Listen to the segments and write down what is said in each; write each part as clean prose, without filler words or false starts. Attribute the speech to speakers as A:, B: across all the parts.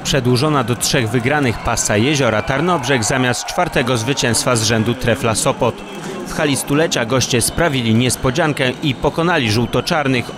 A: przedłużona do 3 wygranych pasa Jeziora Tarnobrzeg zamiast 4. zwycięstwa z rzędu Trefla Sopot. W hali stulecia goście sprawili niespodziankę i pokonali żółto-czarnych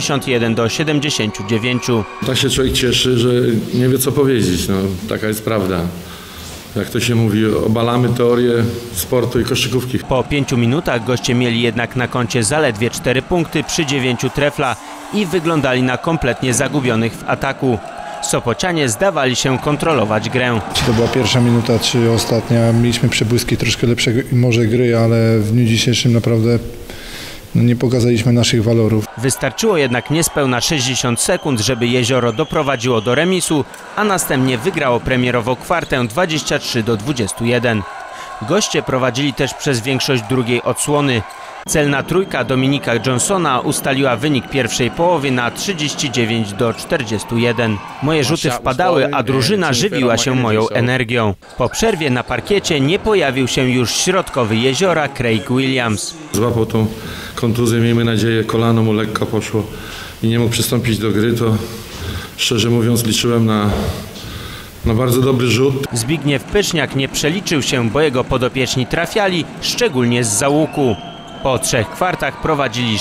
A: 81-79.
B: Tak się człowiek cieszy, że nie wie co powiedzieć. No, taka jest prawda. Jak to się mówi, obalamy teorię sportu i koszykówki.
A: Po 5 minutach goście mieli jednak na koncie zaledwie 4 punkty przy 9 Trefla i wyglądali na kompletnie zagubionych w ataku. Sopocianie zdawali się kontrolować grę.
C: Czy to była pierwsza minuta, czy ostatnia? Mieliśmy przebłyski troszkę lepszej może gry, ale w dniu dzisiejszym naprawdę nie pokazaliśmy naszych walorów.
A: Wystarczyło jednak niespełna 60 sekund, żeby Jezioro doprowadziło do remisu, a następnie wygrało premierowo kwartę 23-21. Goście prowadzili też przez większość drugiej odsłony. Celna trójka Dominika Johnsona ustaliła wynik pierwszej połowy na 39-41. Moje rzuty wpadały, a drużyna żywiła się moją energią. Po przerwie na parkiecie nie pojawił się już środkowy Jeziora Craig Williams.
B: Złapał tą kontuzję, miejmy nadzieję, kolano mu lekko poszło i nie mógł przystąpić do gry, to szczerze mówiąc liczyłem na bardzo dobry rzut.
A: Zbigniew Pyszniak nie przeliczył się, bo jego podopieczni trafiali, szczególnie z załuku. Po 3 kwartach prowadzili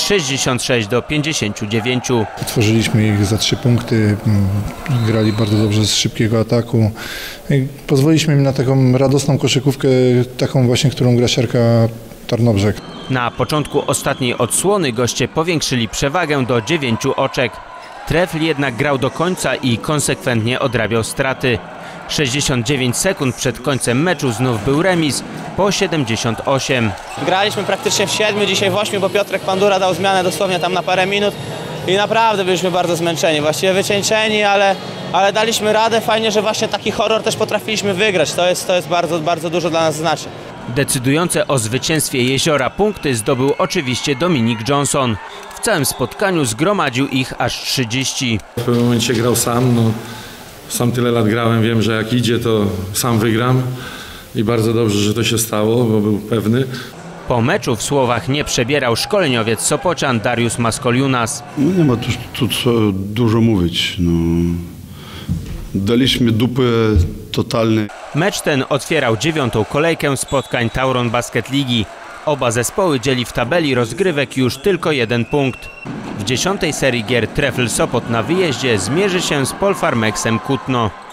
A: 66-59.
C: Tworzyliśmy ich za 3 punkty, grali bardzo dobrze z szybkiego ataku. Pozwoliliśmy im na taką radosną koszykówkę, taką właśnie, którą gra siarka Tarnobrzeg.
A: Na początku ostatniej odsłony goście powiększyli przewagę do 9 oczek. Trefl jednak grał do końca i konsekwentnie odrabiał straty. 69 sekund przed końcem meczu znów był remis po 78.
D: Graliśmy praktycznie w 7, dzisiaj w 8, bo Piotrek Pandura dał zmianę dosłownie tam na parę minut i naprawdę byliśmy bardzo zmęczeni, właściwie wycieńczeni, ale daliśmy radę. Fajnie, że właśnie taki horror też potrafiliśmy wygrać. To jest bardzo, bardzo dużo dla nas znaczy.
A: Decydujące o zwycięstwie Jeziora punkty zdobył oczywiście Dominik Johnson. W całym spotkaniu zgromadził ich aż 30.
B: W pewnym momencie grał sam. Sam tyle lat grałem, wiem, że jak idzie, to sam wygram i bardzo dobrze, że to się stało, bo był pewny.
A: Po meczu w słowach nie przebierał szkoleniowiec Sopocian Dariusz Maskoliunas.
E: Nie ma tu co dużo mówić. Daliśmy dupę totalnie.
A: Mecz ten otwierał 9. kolejkę spotkań Tauron Basket Ligi. Oba zespoły dzieli w tabeli rozgrywek już tylko 1 punkt. W 10. serii gier Trefl Sopot na wyjeździe zmierzy się z Polfarmexem Kutno.